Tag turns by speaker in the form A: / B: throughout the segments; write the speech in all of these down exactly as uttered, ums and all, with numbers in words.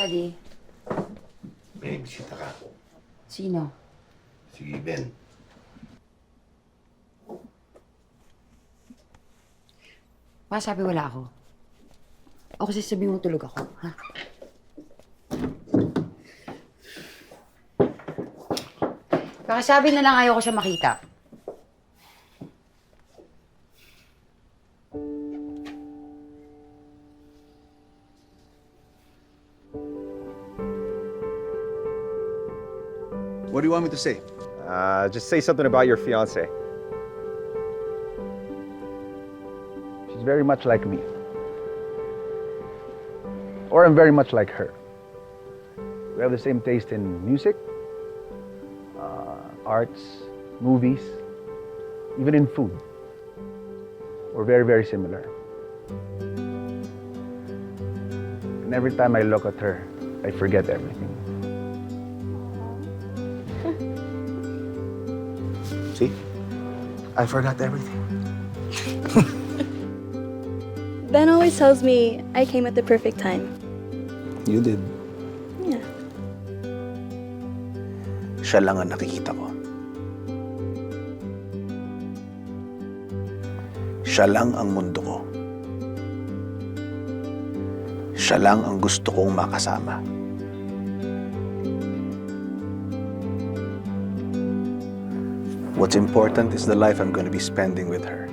A: Daddy,
B: May bisita ka.
A: sino?
B: Si Ben.
A: Baka sabi wala ako. O kasi sabi mo tulog ako, ha? Baka sabi na lang ayaw ko siya makita.
C: What do you want me to say?
D: Uh, just say something about your fiance.
C: She's very much like me. Or I'm very much like her. We have the same taste in music, uh, arts, movies, even in food. We're very, very similar. And every time I look at her, I forget everything. See? I forgot everything.
E: Ben always tells me I came at the perfect time.
C: You did.
E: Yeah.
C: Siya lang ang nakikita ko. Siya lang ang mundo ko. Siya lang ang gusto kong makasama. What's important is the life I'm going to be spending with her.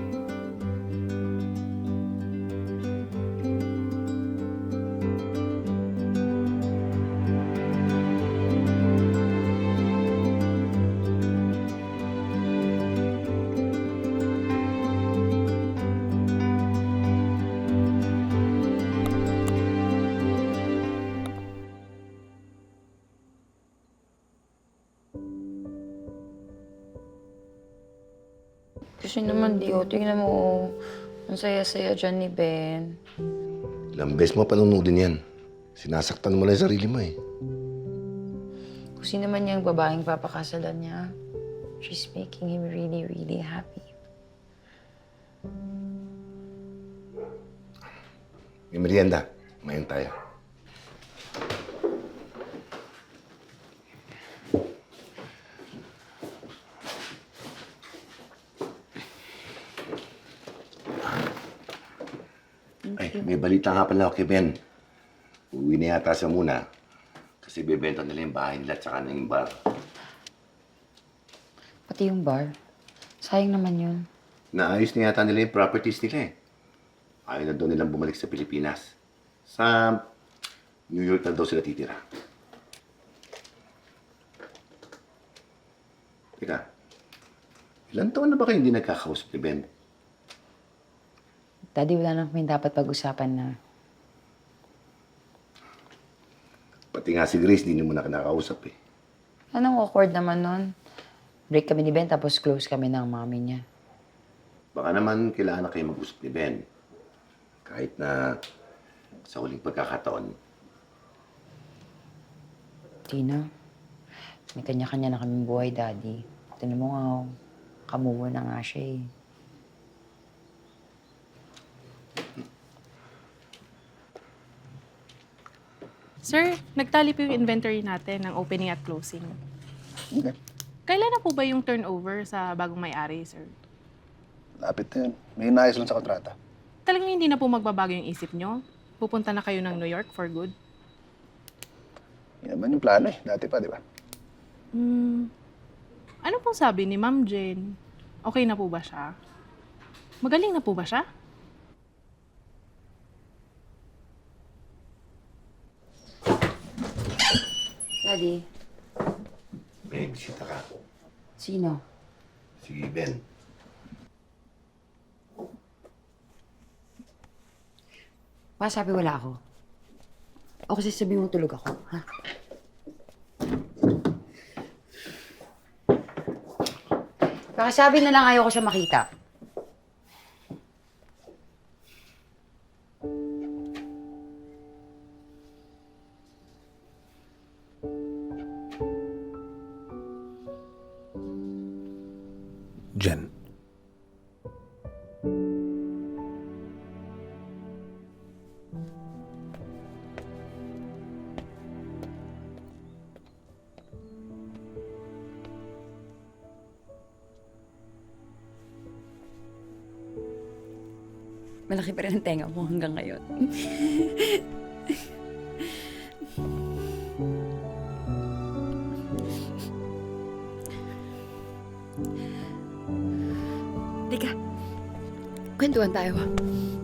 A: Kasi naman, Dio, tingnan mo, oh. Ang saya-saya dyan ni Ben.
B: Ilang beses mo panunodin yan. Sinasaktan mo lang yung sarili mo eh.
A: Kung sino man yung babaeng papakasalan niya, she's making him really, really happy.
B: May merienda. Mayon tayo. Ay, may balita nga pala ako kay Ben. Uwi na yata siya muna. Kasi bebenta nila yung bahay nila at saka na yung bar.
A: Pati yung bar. Sayang naman yun.
B: Naayos na yata nila yung properties nila eh. Ayaw na daw nilang bumalik sa Pilipinas. Sa New York na daw sila titira. Teka, ilan taon na ba kayo hindi nagkakausap ni Ben?
A: Daddy, wala na kami dapat pag-usapan na.
B: Pati nga si Grace, di niyo mo na kinakausap eh.
A: Anong awkward naman nun? Break kami ni Ben, tapos close kami ng mami niya.
B: Baka naman kailangan na kayo mag-usap ni Ben. Kahit na sa huling pagkakataon.
A: Tina, may kanya-kanya na kaming buhay, Daddy. Tinan mo nga, oh, kamuha na nga siya eh.
F: Sir, nagtali po yung inventory natin ng opening at closing.
C: Okay.
F: Kailan na po ba yung turnover sa bagong may-ari, sir?
C: Lapit na yun. May inayos lang sa kontrata.
F: Talagang hindi na po magbabago yung isip nyo? Pupunta na kayo ng New York for good?
C: Yan naman yung plano eh. Dati pa, di ba?
F: Hmm. Ano pong sabi ni Ma'am Jen? Okay na po ba siya? Magaling na po ba siya?
A: Daddy,
B: May bisita ka.
A: sino?
B: Si Ben.
A: Baka sabi wala ako. O kasi sabi mo tulog ako, ha? Baka sabi na lang ayaw ko siya makita.
C: Jen.
A: malaki pa rin ang tenga mo hanggang ngayon. Teka, kwentuhan tayo.